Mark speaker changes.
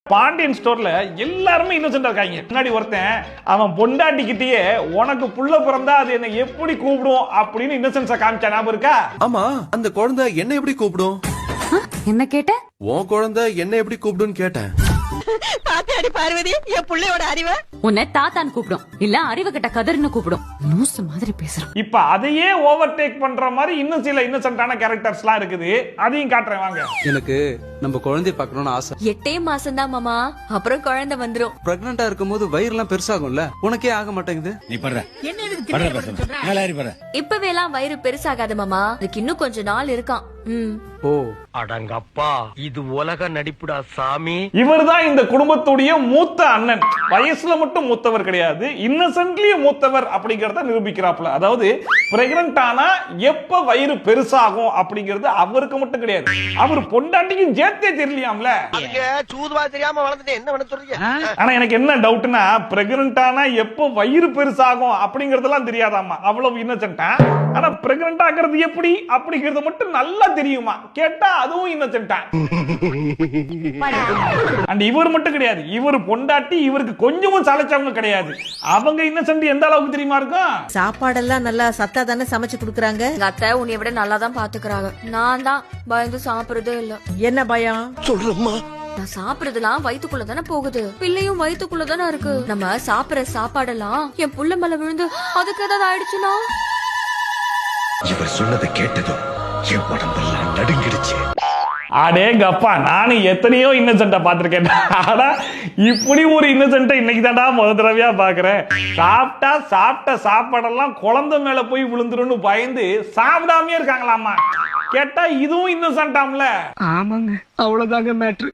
Speaker 1: பாண்டியன் ஸ்டோர்ல எல்லாருமே இன்னசென்ட்டா இருக்காங்க. முன்னாடி ஒருத்தன் அவன் பொண்டாட்டிக்கிட்டயே உனக்கு புள்ள பிறந்தா அது என்ன எப்படி கூப்பிடும் அப்படின்னு இன்னசென்ஸா காமிச்சா ஞாபகம் இருக்கா?
Speaker 2: ஆமா, அந்த குழந்தை என்ன எப்படி கூப்பிடும்?
Speaker 3: என்ன கேட்ட?
Speaker 2: உன் குழந்தை என்ன எப்படி கூப்பிடுன்னு கேட்டேன்.
Speaker 4: பாத்தாடி பார்வதி, என் புள்ளையோட அறிவை
Speaker 3: உன்னை தாத்தான்னு கூப்பிடும், இல்ல அறிவு கிட்ட கதர்னு கூப்பிடும். லூசு மாதிரி பேசுறான்.
Speaker 1: இப்ப அதையே ஓவர்டேக் பண்ற மாதிரி இன்னும் சில இன்னசென்ட்டான கேரக்டர்ஸ்லாம் இருக்குது. அதையும் காட்டுறேன் வாங்க.
Speaker 5: எனக்கு நம்ம குழந்தைய பார்க்கணும்னு ஆசை.
Speaker 6: 8 மாசம் தான் மாமா, அப்புறம் குழந்தை வந்துரும்.
Speaker 5: பிரெக்னண்டா இருக்கும்போது வயிறுலாம் பெருசாகும்ல, உனக்கே ஆக மாட்டேங்குது.
Speaker 7: நீ பண்ற
Speaker 6: இப்பவே எல்லாம் வயிறு பெருசாகாது மாமா, அதுக்கு இன்னும் கொஞ்ச நாள் இருக்கான்.
Speaker 5: ஓ,
Speaker 8: அடங்கப்பா, இது உலக நடிப்புடா சாமி.
Speaker 1: இவர்தான் இந்த குடும்பத்துடைய மூத்த அண்ணன். வயசுல மட்டும் மூத்தவர் கிடையாது, இன்னசென்ட்லி மூத்தவர் அப்படிங்கறத நிரூபிக்கிறாப்ல. அதாவது பிரெக்னன்ட் ஆனா எப்ப வயிறு பெருசாகும் அப்படிங்கறது அவருக்கு மட்டும் கிடையாது, அவர் பொண்டாட்டிக்கும் சேர்த்தே தெரியலையாம்ல.
Speaker 8: சூதுவா தெரியாம வளர்ந்துட்டு என்ன பண்ண சொல்றீங்க?
Speaker 1: ஆனா எனக்கு என்ன டவுட்னா, பிரெக்னன்ட் ஆனா எப்ப வயிறு பெருசாகும் அப்படிங்கறதெல்லாம் தெரியாதாமா, அவ்வளவு இன்னசென்ட்டா. ஆனா பிரெக்னன்ட் ஆகிறது எப்படி அப்படிங்கறது மட்டும் நல்லா தெரியுமா, கேட்டா அதுவும் இன்னசென்ட்டா. அண்ட் இவர் மட்டும் கிடையாது, இவர் பொண்டாட்டி இவருக்கு கொஞ்சமும் சளைச்சவங்க கிடையாது. அவங்க இன்னசென்ட் எந்த அளவுக்கு தெரியுமா இருக்கும்?
Speaker 4: சாப்பாடெல்லாம் நல்லா சத்தா தானே சமைச்சு குடுக்கறாங்க.
Speaker 6: எங்க அத்தை உன்னை விட நல்லா தான் பாத்துக்கிறாங்க. நான் தான் பயந்து சாப்பிடுறதே இல்ல.
Speaker 4: என்ன பயம்?
Speaker 8: சொல்றம்மா,
Speaker 6: நான் சாப்பிடுறதுலாம் வயித்துக்குள்ள தானே போகுது, பிள்ளையும் வயித்துக்குள்ள தானே இருக்கு. நம்ம சாப்பிடுற சாப்பாடெல்லாம் என் புள்ள மேல விழுந்து அதுக்கு ஏதாவது ஆயிடுச்சுன்னா?
Speaker 7: இவர் சொன்னதை கேட்டதும் என் உடம்பெல்லாம் நடுங்கிடுச்சு.
Speaker 1: அடேங்கப்பா, நானும் எத்தனையோ இன்னசென்ட்டா பாத்திருக்கேன். ஆனா இப்படி ஒரு இன்னசென்ட்டை இன்னைக்கு தான்டா முதல் தடவையா பாக்குறேன். சாப்பிட்ட சாப்பாடெல்லாம் குழந்தை மேல போய் விழுந்துருன்னு பயந்து சாப்பிடாமயே இருக்காங்களாமா. கேட்டா இதுவும் இன்னசென்ட்டாம்ல.
Speaker 8: ஆமாங்க, அவ்வளவுதாங்க மேட்ரு.